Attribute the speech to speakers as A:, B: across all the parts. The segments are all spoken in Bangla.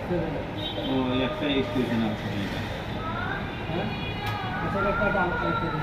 A: ও একটা এক্সপ্রেশন আছে এটা।
B: হ্যাঁ আচ্ছা একটা দাম আরেকটা দিন।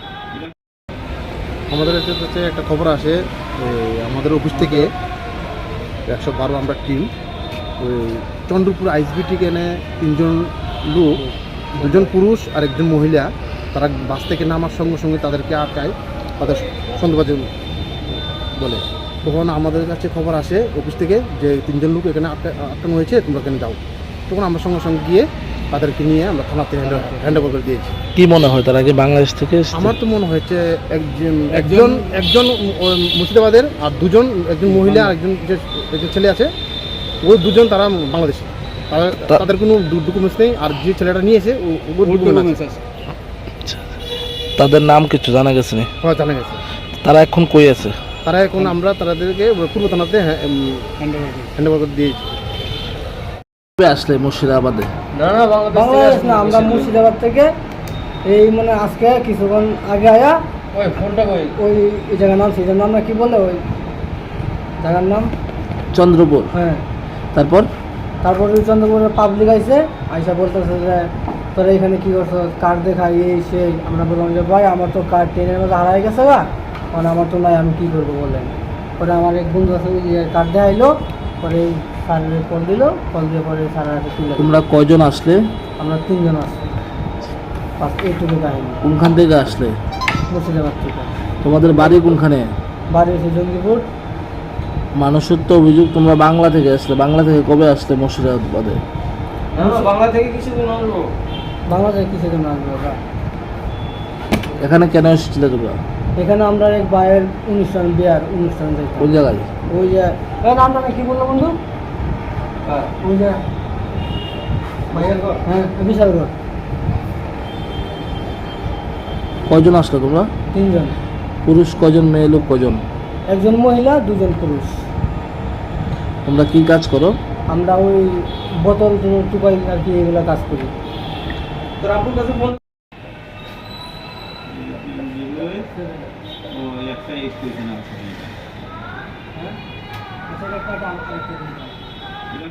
C: আমাদের কাছে একটা খবর আসে আমাদের অফিস থেকে 112 আমরা টিম ওই চন্দ্রপুর আইসবিটি কেনে 3জন লোক, 2জন পুরুষ আর একজন মহিলা, তারা বাস থেকে নামার সঙ্গে সঙ্গে তাদেরকে আটকায়, তাদের সন্দেহবাদী বলে। তখন আমাদের কাছে খবর আসে অফিস থেকে যে 3জন লোক এখানে আটকানো হয়েছে, তোমরা এখানে যাও। তখন আমরা সঙ্গে সঙ্গে গিয়ে তাদেরকে নিয়ে আমরা থানাতে হ্যান্ড ওভার করে দিয়েছি।
D: কি মনে হয় তারা কি বাংলাদেশ থেকে এসেছে?
C: আমার তো মনে হয়েছে একজন মুর্শিদাবাদের আর 2জন, একজন মহিলা আর একজন ছেলে আছে, ওই 2জন তারা বাংলাদেশি, তাদের কোনো ডকুমেন্টস নেই। আর যে ছেলেটা নিয়েছে ওর ডকুমেন্টস আছে।
D: তাদের নাম কিছু জানা গেছে না?
C: হ্যাঁ জানা গেছে।
D: তারা এখন কই আছে?
C: তারা এখন আমরা তাদেরকে পূর্ব থানাতে হ্যান্ড ওভার করে দিয়েছি।
D: আসলে মুর্শিদাবাদে?
B: না বাংলাদেশ না, আমরা মুর্শিদাবাদ থেকে এই মানে আজকে কিছুক্ষণ আগে আয়া ওই ফোনটা ওই জায়গার নাম, সেই নাম না কি বলে ওই জায়গার নাম
D: চন্দ্রপুর।
B: হ্যাঁ
D: তারপর
B: ওই চন্দ্রপুরের পাবলিক আইসে বলতেছে যে তোরা এখানে কি করছো, কার্ড দেখাই এই সেই। আমরা বললাম যে ভাই আমার তো কার্ড ট্রেনের মধ্যে হারাই গেছে গা, মানে আমার তো নাই, আমি কী করবো বলেন। পরে আমার এক বন্ধু আছে কার্ড দেখাইলো, পরে স্যারের কল দিল, কল দিয়ে পরে স্যারের হাতে তুলে।
D: তোমরা কয়জন আসলে?
B: আমরা 3জন আসছি। এইটুকু কাহিনী।
D: কোনখান থেকে আসলে?
B: মুর্শিদাবাদ থেকে।
D: তোমাদের বাড়ি কোনখানে?
B: বাড়ি হচ্ছে জঙ্গিপুর।
D: মানুষের তো অভিযোগ তোমরা বাংলা থেকে আসলে। বাংলা থেকে কবে আসলে মুর্শিদাবাদে?
B: বাংলা থেকে কিছুদিন আসবো ওরা।
D: এখানে কেন এসেছিলে তোমরা?
B: এখানে আমরা এক ভাইয়ের বিয়ার অনুষ্ঠান যাই।
D: কোন জায়গায়?
B: ওই যে নামটা কি বললো বন্ধু? ওই যে হ্যাঁ বিশাল ঘর।
D: কয়জন আসলে তোমরা?
B: 3জন।
D: পুরুষ কয়জন, মেয়ে লোক কয়জন?
B: একজন মহিলা, 2জন পুরুষ।
D: তোমরা কি কাজ করো?
B: আমরা ওই বোতল টুকাই আর কি এগুলো কাজ করি। তোর আপুর কাছে
A: ও একটা এক্সপ্রেশন আছে এটা।
B: হ্যাঁ আচ্ছা একটা দাম আরেকটা দিন।